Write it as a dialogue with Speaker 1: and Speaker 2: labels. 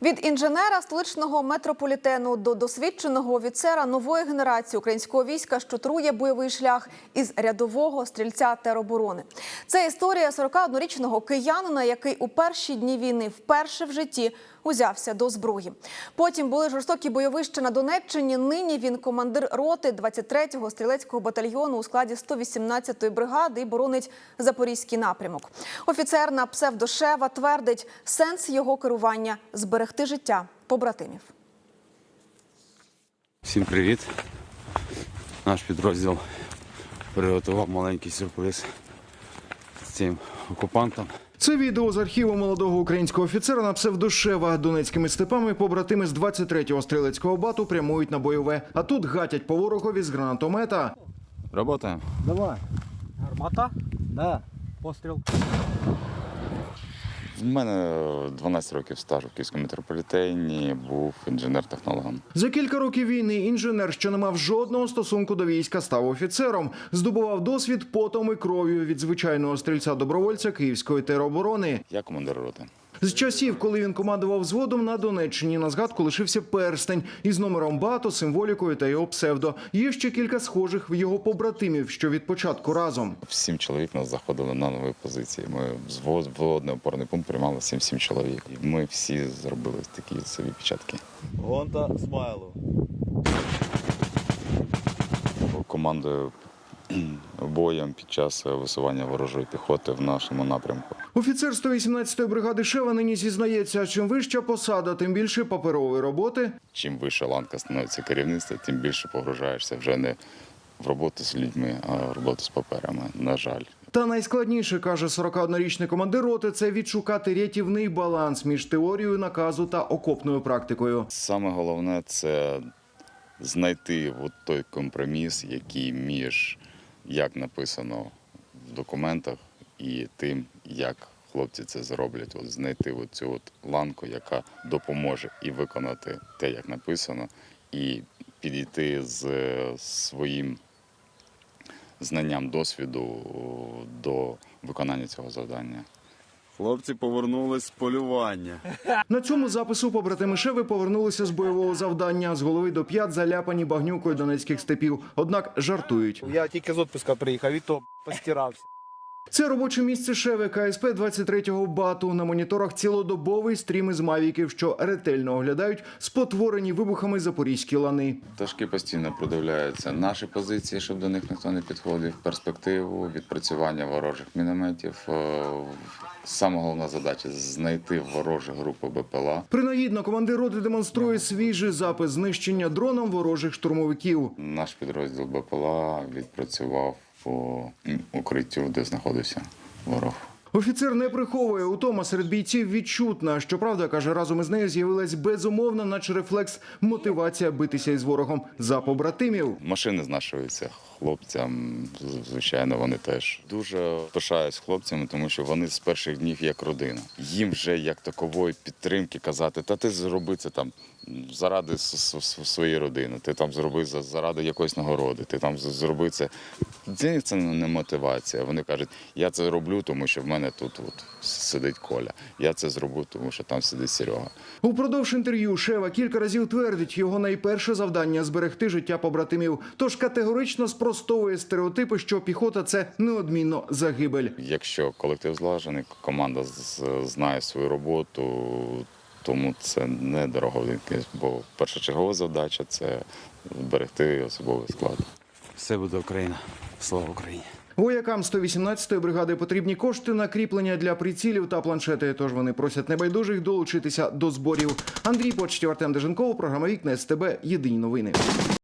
Speaker 1: Від інженера столичного метрополітену до досвідченого офіцера нової генерації українського війська, що трує бойовий шлях із рядового стрільця тероборони. Це історія 41-річного киянина, який у перші дні війни вперше в житті узявся до зброї. Потім були жорстокі бойовища на Донеччині. Нині він командир роти 23-го стрілецького батальйону у складі 118-ї бригади і боронить Запорізький напрямок. Офіцер на псевдо Шева твердить, сенс його керування – зберегти життя побратимів.
Speaker 2: Всім привіт! Наш підрозділ приготував маленький сюрприз цим окупантам.
Speaker 3: Це відео з архіву молодого українського офіцера на псевдо Шева. Донецькими степами побратими з 23-го стрілецького бату прямують на бойове. А тут гатять по ворогові з гранатомета.
Speaker 2: Работаємо.
Speaker 4: Давай. Гармата? Да. Постріл.
Speaker 5: У мене 12 років стажу в Київському метрополітені, був інженер-технологом.
Speaker 3: За кілька років війни інженер, що не мав жодного стосунку до війська, став офіцером. Здобував досвід потом і кров'ю від звичайного стрільця-добровольця Київської тероборони.
Speaker 5: Я командир роти.
Speaker 3: З часів, коли він командував взводом на Донеччині, на згадку лишився перстень із номером бату, символікою та його псевдо. Є ще кілька схожих в його побратимів, що від початку разом.
Speaker 5: 7 чоловік нас заходили на нові позиції. Ми взводний опорний пункт приймали 7 чоловік. І ми всі зробили такі собі печатки.
Speaker 6: Гонта смайлу.
Speaker 5: Командою боєм під час висування ворожої піхоти в нашому напрямку.
Speaker 3: Офіцер 118-ї бригади Шева нині зізнається, чим вища посада, тим більше паперової роботи.
Speaker 5: Чим вища ланка становиться керівництва, тим більше погружаєшся вже не в роботу з людьми, а в роботу з паперами, на жаль.
Speaker 3: Та найскладніше, каже 41-річний командир роти, це відшукати рятівний баланс між теорією наказу та окопною практикою.
Speaker 5: Саме головне – це знайти от той компроміс, який між, як написано в документах, і тим, як хлопці це зроблять. От знайти от цю от ланку, яка допоможе і виконати те, як написано, і підійти з своїм знанням досвіду до виконання цього завдання.
Speaker 6: Хлопці повернулись з полювання.
Speaker 3: На цьому запису побратими Шеви повернулися з бойового завдання. З голови до п'ят заляпані багнюкою донецьких степів. Однак жартують.
Speaker 4: Я тільки з відпуска приїхав, і то постирався.
Speaker 3: Це робоче місце Шеви КСП 23-го бату. На моніторах цілодобовий стрім із мавіків, що ретельно оглядають спотворені вибухами запорізькі лани.
Speaker 5: Пташки постійно продивляються наші позиції, щоб до них ніхто не підходив, перспективу, відпрацювання ворожих мінометів. Саме головна задача – знайти ворожі групи БПЛА.
Speaker 3: Принагідно командир роти демонструє свіжий запис знищення дроном ворожих штурмовиків.
Speaker 5: Наш підрозділ БПЛА відпрацював по укриттю, де знаходився ворог.
Speaker 3: Офіцер не приховує, утома серед бійців відчутна. Щоправда, каже, разом із нею з'явилась безумовна, наче рефлекс, мотивація битися із ворогом за побратимів.
Speaker 5: Машини знашуються хлопцям, звичайно, вони теж. Дуже пишаюсь хлопцями, тому що вони з перших днів як родина. Їм вже як такової підтримки казати, та ти зроби це там заради своєї родини, ти там зроби заради якоїсь нагороди, ти там зроби це. Для них це не мотивація. Вони кажуть, я це роблю, тому що в мене тут от сидить Коля. Я це зроблю, тому що там сидить Серега.
Speaker 3: Упродовж інтерв'ю Шева кілька разів твердить, його найперше завдання – зберегти життя побратимів. Тож категорично спростовує стереотипи, що піхота – це неодмінно загибель.
Speaker 5: Якщо колектив злажений, команда знає свою роботу, тому це не дороговинки, бо першочергова задача – це зберегти особовий склад.
Speaker 2: Все буде Україна. Слава Україні!
Speaker 3: Воякам 118-ї бригади потрібні кошти на кріплення для прицілів та планшети, тож вони просять небайдужих долучитися до зборів. Андрій Почтів, Артем Деженков, програма «Вікна СТБ. Єдині новини».